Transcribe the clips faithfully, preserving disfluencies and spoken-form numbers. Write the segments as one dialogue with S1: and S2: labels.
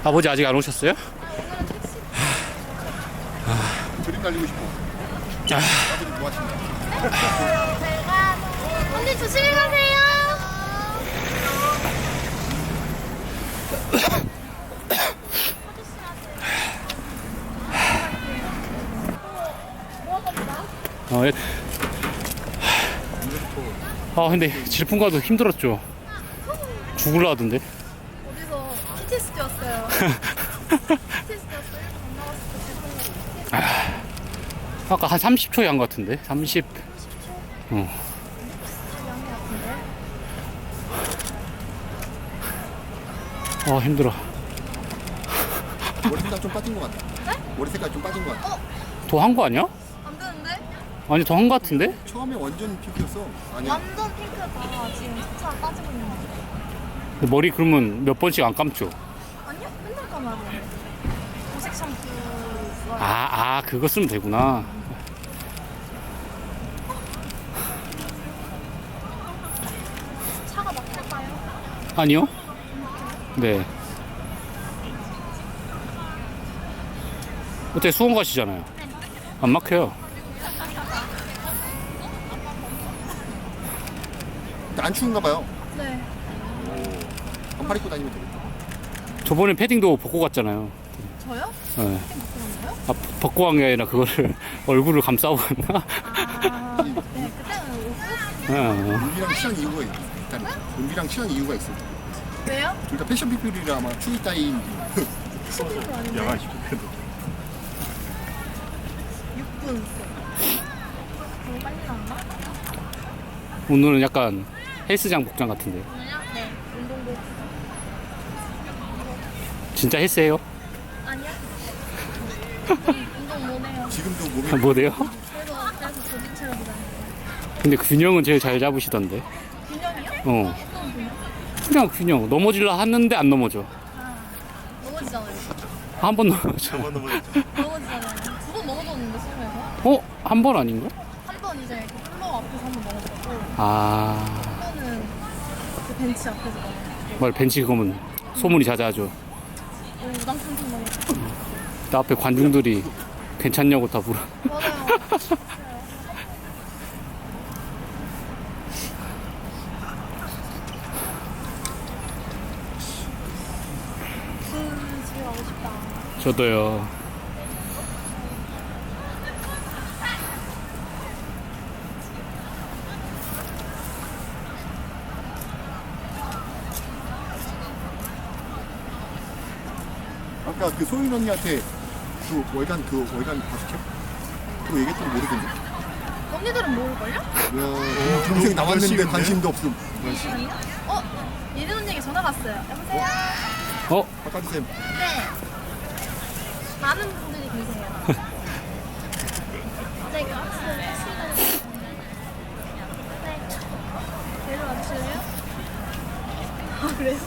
S1: 아버지 아직 안 오셨어요?
S2: 그림 날리고 싶어.
S1: 아,
S2: 아버지 뭐 하시나요?
S3: 제가 언니 조심히 가세요.
S1: 어, 예. 아 근데 질풍가도 힘들었죠. 죽을라 하던데.
S3: 어디서 피티에스디 왔어요. 피티에스디 왔어요. 안 나왔을 때
S1: 아까 한 삼십 초에 한 것 같은데. 삼십. 어. 아 힘들어.
S2: 머리 색깔 좀 빠진 것 같아.
S3: 네?
S2: 머리 색깔 좀 빠진 것 같아.
S1: 더 한 거 아니야?
S3: 안 되는데?
S1: 아니 더 한 거 같은데?
S2: 처음에 완전 핑크였어. 아니야.
S3: 완전 핑크다. 지금 차차 빠지고 있는 거.
S1: 근데 머리 그러면 몇 번씩 안 감죠?
S3: 아니요? 맨날 감아야 돼. 보색 샴푸.
S1: 아, 아 그거 쓰면 되구나.
S3: 차가 막힐까요?
S1: 아니요? 네. 어때 수원 가시잖아요. 안 막혀요.
S2: 안 추운가 봐요.
S3: 네.
S2: 반팔 입고 다니면 되겠다.
S1: 저번에 패딩도 벗고 갔잖아요.
S3: 저요?
S1: 네.
S3: 땡 갖고 갔나요?
S1: 아, 벗고 간 게 아니라 그거를 얼굴을 감싸고 갔나?
S3: 아, 네. 그때는 옷
S1: 어.
S2: 은비랑 친한 이유가 있- 있다니까. 은비랑 친한 이유가 있어.
S3: 왜요?
S2: 둘 다 패션 피플이라 아마 추위 따윈.
S3: 시즌도 아닌데.
S2: 야간 시프트.
S3: 육 분. 너무 빨리 나왔나?
S1: 오늘은 약간 헬스장 복장 같은데.
S3: 오늘요? 네. 운동복.
S1: 진짜 헬스예요?
S3: 아니야? 운동, 운동 못 해요.
S2: 지금도 몸이
S1: 아, 뭐래요?
S3: 그래서 그래서 조직 체력이 나요.
S1: 근데 균형은 제일 잘 잡으시던데.
S3: 균형이요?
S1: 어.
S3: 어떤 균형?
S1: 그냥 균형. 넘어질라 하는데 안 넘어져.
S3: 아, 넘어지잖아요.
S1: 한 번 넘어져.
S3: 넘어지잖아요. 두 번 넘어졌는데 수영에서
S1: 어? 한 번 아닌가?
S3: 한 번 이제 그 플로어 앞에서 한 번 넘어졌고
S1: 아.
S3: 한 번은 그 벤치 앞에서 넘어졌고
S1: 말 벤치 그거면 소문이 자자하죠.
S3: 오, 우당탕탕 넘어졌고
S1: 나 앞에 관중들이 괜찮냐고 다 물어.
S3: 맞아요. 음, 집에 가고 싶다.
S1: 저도요.
S2: 아까 그 소윤 언니한테 그 월간 그 월간 다섯 캡 그거 얘기했던 거 모르겠네.
S3: 언니들은 모를걸요?
S2: 야, 동생 나왔는데 관심도 없음.
S3: 아니요? 어? 예린 언니에게 전화 왔어요. 여보세요?
S1: 어?
S2: 바깥쌤
S3: 네. 많은 분들이 계세요. 네, 왔어요. 네. 내려와 주실래요? 아, 그래요?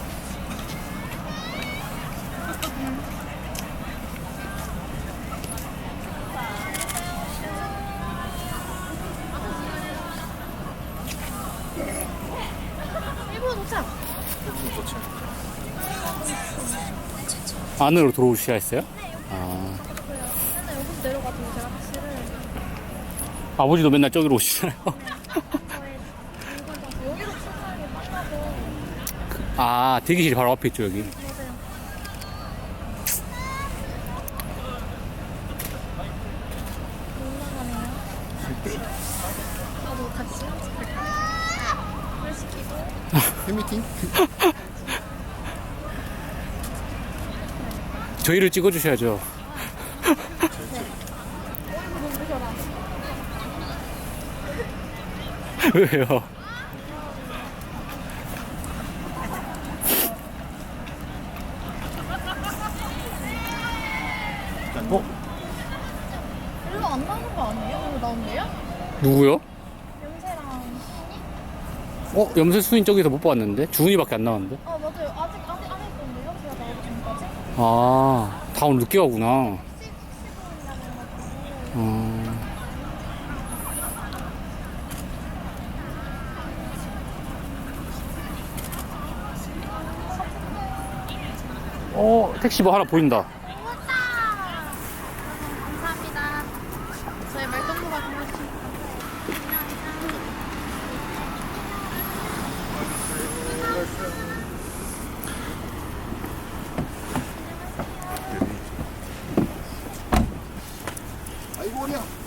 S3: 일본 도착.
S1: 안으로 들어오셔야 했어요? 아.
S3: 맨날 여기서 내려가지고 제가 택시를
S1: 아버지도 맨날 저기로 오시잖아요.
S3: 저의 물건 여기로 출발하는 게 빨라서
S1: 아, 대기실이 바로 앞에 있죠, 여기.
S3: 맞아요. 올라가네요. 저도 같이 물 시키고
S2: 팬미팅?
S1: 저희를 찍어주셔야죠.
S3: 어이구 눈부셔라.
S1: 왜요? 어?
S3: 별로 안 나오는 거 아니에요? 별로 나온대요?
S1: 누구요?
S3: 염세랑
S1: 어? 염세 수인 저기서 못 봤는데? 주은이밖에 안 나왔는데?
S3: 아 맞아요. 아직 아직 안 했던데요? 제가 나오기 전까지?
S1: 아, 다 오늘 늦게 가구나.
S3: 시- 시골이라고 해가지고
S1: 어. 어 택시 뭐 하나 보인다.